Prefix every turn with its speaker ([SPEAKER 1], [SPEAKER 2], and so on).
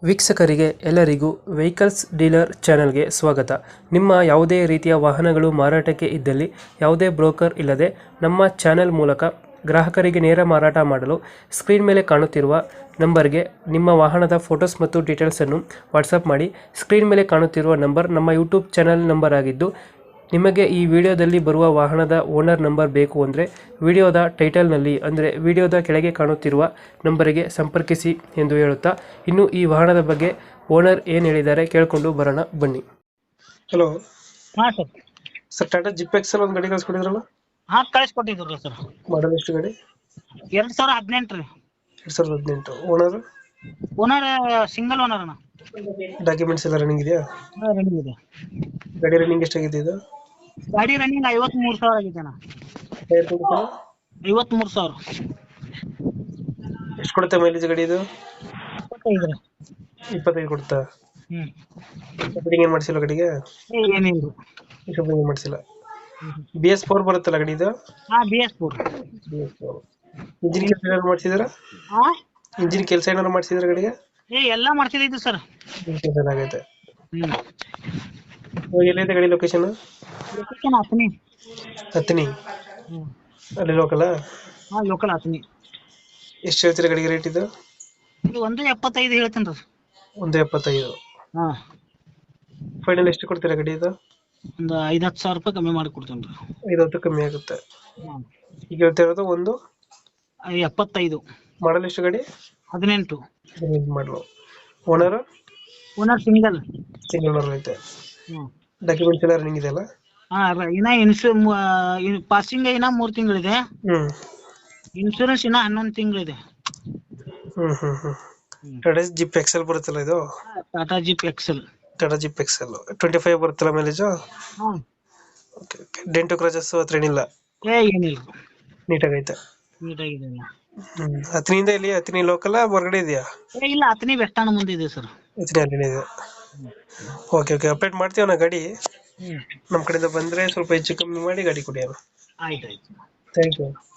[SPEAKER 1] ವೀಕ್ಷಕರಿಗೆ ಎಲ್ಲರಿಗೂ vehicles dealer ಚಾನೆಲ್ಗೆ ಸ್ವಾಗತ. ನಿಮ್ಮ ಯಾವುದೇ ರೀತಿಯ ವಾಹನಗಳು ಮಾರಾಟಕ್ಕೆ ಇದ್ದಲ್ಲಿ ಯಾವುದೇ ಬ್ರೋಕರ್ ಇಲ್ಲದೆ ನಮ್ಮ ಚಾನೆಲ್ ಮೂಲಕ ಗ್ರಾಹಕರಿಗೆ ನೇರ ಮಾರಾಟ ಮಾಡಲು ಸ್ಕ್ರೀನ್ ಮೇಲೆ ಕಾಣುತ್ತಿರುವ ನಂಬರ್ಗೆ ನಿಮ್ಮ ವಾಹನದ ಫೋಟೋಸ್ ಮತ್ತು ಡೀಟೇಲ್ಸನ್ನು ವಾಟ್ಸಪ್ ಮಾಡಿ. ಸ್ಕ್ರೀನ್ ಮೇಲೆ ಕಾಣುತ್ತಿರುವ ನಂಬರ್ ನಮ್ಮ ಯೂಟ್ಯೂಬ್ ಚಾನೆಲ್ ನಂಬರ್ ಆಗಿದ್ದು, ನಿಮಗೆ ಈ ವಿಡಿಯೋದಲ್ಲಿ ಬರುವ ವಾಹನದ ಓನರ್ ನಂಬರ್ ಬೇಕು ಅಂದರೆ ವಿಡಿಯೋದ ಟೈಟಲ್ನಲ್ಲಿ ಅಂದರೆ ವಿಡಿಯೋದ ಕೆಳಗೆ ಕಾಣುತ್ತಿರುವ ನಂಬರಿಗೆ ಸಂಪರ್ಕಿಸಿ ಎಂದು ಹೇಳುತ್ತಾ, ಇನ್ನು ಈ ವಾಹನದ ಬಗ್ಗೆ ಓನರ್ ಏನು ಹೇಳಿದ್ದಾರೆ ಕೇಳಿಕೊಂಡು ಬರೋಣ ಬನ್ನಿ. ಹಲೋ
[SPEAKER 2] ಹಾ sir.
[SPEAKER 1] Sir, Tata Zip Excel ಒಂದು ಗಾಡಿ ಕಳಿಸ್ಕೊಟ್ಟಿದ್ರಲ್ಲ,
[SPEAKER 2] ಹಾ ಕಳಿಸ್ಕೊಟ್ಟಿದ್ರು ಸರ್.
[SPEAKER 1] ಮಾಡಲ್ ಎಷ್ಟು ಗಾಡಿ?
[SPEAKER 2] 2018 ರೀ.
[SPEAKER 1] 2018. ಓನರ್
[SPEAKER 2] ಓನರ್ ಸಿಂಗಲ್ ಓನರ್ ಅಣ್ಣ.
[SPEAKER 1] ಡಾಕ್ಯುಮೆಂಟ್ಸ್ ಎಲ್ಲ ರನ್ನಿಂಗ್ ಇದೆಯಾ?
[SPEAKER 2] ರನ್ನಿಂಗ್ ಇದೆ.
[SPEAKER 1] ಗಾಡಿ ರನ್ನಿಂಗ್ ಎಷ್ಟಾಗಿದೆ ಇದು?
[SPEAKER 2] ಗಾಡಿ ರನ್ನಿಂಗ್ 53,000 ಆಗಿದೆ ಅಣ್ಣ.
[SPEAKER 1] Tyre condition
[SPEAKER 2] 53,000.
[SPEAKER 1] ಎಷ್ಟು ಕೊಡುತ್ತೆ ಮೈಲೇಜ್ ಗಾಡಿ ಇದು?
[SPEAKER 2] 25 ರೀ.
[SPEAKER 1] 25 ಕೊಡುತ್ತಾ?
[SPEAKER 2] ಹ್ಮ್.
[SPEAKER 1] ಫಿಟ್ಟಿಂಗ್ ಏನು ಮಾಡಿಸಿಲ್ಲ ಗಾಡಿಗೆ?
[SPEAKER 2] ಏನಿಲ್ಲ.
[SPEAKER 1] ಏನು ಮಾಡಿಸಿಲ್ಲ. BS4 ಬರುತ್ತಲ್ಲ ಗಾಡಿ ಇದು?
[SPEAKER 2] ಹಾ BS4.
[SPEAKER 1] ಇಂಜಿನ್ ಕೆಲಸ ಏನಾದ್ರು ಮಾಡಿಸಿದಾರ?
[SPEAKER 2] ಹಾ
[SPEAKER 1] ಇಂಜಿನ್ ಕೆಲಸ ಏನಾದ್ರು ಮಾಡಿಸಿದಾರ ಗಾಡಿಗೆ?
[SPEAKER 2] ಎಲ್ಲ ಮಾಡ್ತಿದ್ದು ಸರ್.
[SPEAKER 1] ಚೆನ್ನಾಗೈತೆ.
[SPEAKER 2] ಹ್ಮ್.
[SPEAKER 1] ಎಲ್ಲಿದೆ ಗಾಡಿ ಲೊಕೇಶನ್?
[SPEAKER 2] ಲೊಕೇಶನ್ ಹತ್ತನಿ.
[SPEAKER 1] ಹತ್ತನಿ
[SPEAKER 2] ಹ್ಮ್.
[SPEAKER 1] ಅಲ್ಲಿ ಲೋಕಲ್?
[SPEAKER 2] ಹಾ ಲೋಕಲ್ ಹತ್ತನಿ.
[SPEAKER 1] ಎಷ್ಟು ಹೇಳ್ತೀರಾ ಗಾಡಿಗೆ ರೇಟ್ ಇದು?
[SPEAKER 2] ಇದು 1.75 ಹೇಳ್ತೇನೆ ರೀ.
[SPEAKER 1] 1.75.
[SPEAKER 2] ಹಾ.
[SPEAKER 1] ಫೈನಲ್ ಎಷ್ಟು ಕೊಡ್ತೀರಾ ಗಾಡಿ ಇದು?
[SPEAKER 2] ಒಂದು 5-10 ಸಾವಿರ ರೂಪಾಯಿ ಕಮ್ಮಿ ಮಾಡಿ ಕೊಡ್ತೇನೆ ರೀ.
[SPEAKER 1] 5-10 ಕಮ್ಮಿ ಆಗುತ್ತೆ. ಈಗ ಹೇಳ್ತಾ ಇರೋದು
[SPEAKER 2] 75.
[SPEAKER 1] ಮಾಡಲ್ ಎಷ್ಟು ಗಾಡಿ?
[SPEAKER 2] 18.
[SPEAKER 1] ಮಾಡಲು. ಓನರ್
[SPEAKER 2] ಓನರ್ ಸಿಂಗಲ್
[SPEAKER 1] ಓನರ್ ಐತೆ.
[SPEAKER 2] ಹ್ಮ್.
[SPEAKER 1] ಡಾಕ್ಯುಮೆಂಟ್ಸ್ ಎಲ್ಲ ರನ್ನಿಂಗ್ ಇದೆಯಲ್ಲ?
[SPEAKER 2] ಹಾ ಇನ್ನ ಪಾಸಿಂಗ್ ಇನ್ನ 3 ತಿಂಗಳಿದೆ.
[SPEAKER 1] ಹ್ಮ್
[SPEAKER 2] ಇನ್ಶೂರೆನ್ಸ್ ಇನ್ನ 11 ತಿಂಗಳಿದೆ.
[SPEAKER 1] ಟಾಟಾ ಜಿಪ್ ಎಕ್ಸೆಲ್ ಬರುತ್ತಲ್ಲ ಇದು?
[SPEAKER 2] Tata Zip Excel.
[SPEAKER 1] Tata Zip Excel 25 ಬರುತ್ತಲ್ಲ ಮೈಲೇಜ್?
[SPEAKER 2] ಹ್ಮ್.
[SPEAKER 1] ಡೆಂಟು ಕ್ರಾಚಸ್ ಹತ್ರ ಏನಿಲ್ಲ?
[SPEAKER 2] ಏನಿಲ್ಲ.
[SPEAKER 1] ನೀಟಾಗೈತೆ.
[SPEAKER 2] ನೀಟಾಗಿದೆ.
[SPEAKER 1] ಹತ್ತನಿಂದ ಇಲ್ಲಿ ಹತ್ತನಿ ಲೋಕಲ್ ಹೊರಗಡೆ ಇದೆಯಾ?
[SPEAKER 2] ಇಲ್ಲ ಹತ್ತನಿ ಬೆಸ್ಟ್ ಅಣ್ಣ ಮುಂದೆ ಇದೆ ಸರ್.
[SPEAKER 1] ಹತ್ತನಿ ಅಲ್ಲಿನೇ ಇದೆ. ಓಕೆ ಅಪ್ಡೇಟ್ ಮಾಡ್ತೀವಿ ನಾ ಗಾಡಿ. ನಮ್ಮ ಕಡೆಯಿಂದ ಬಂದ್ರೆ ಸ್ವಲ್ಪ ಹೆಚ್ಚು ಕಮ್ಮಿ ಮಾಡಿ ಗಾಡಿ ಕೊಡಿ ಅಣ್ಣ.
[SPEAKER 2] ಆಯ್ತು.
[SPEAKER 1] Thank you.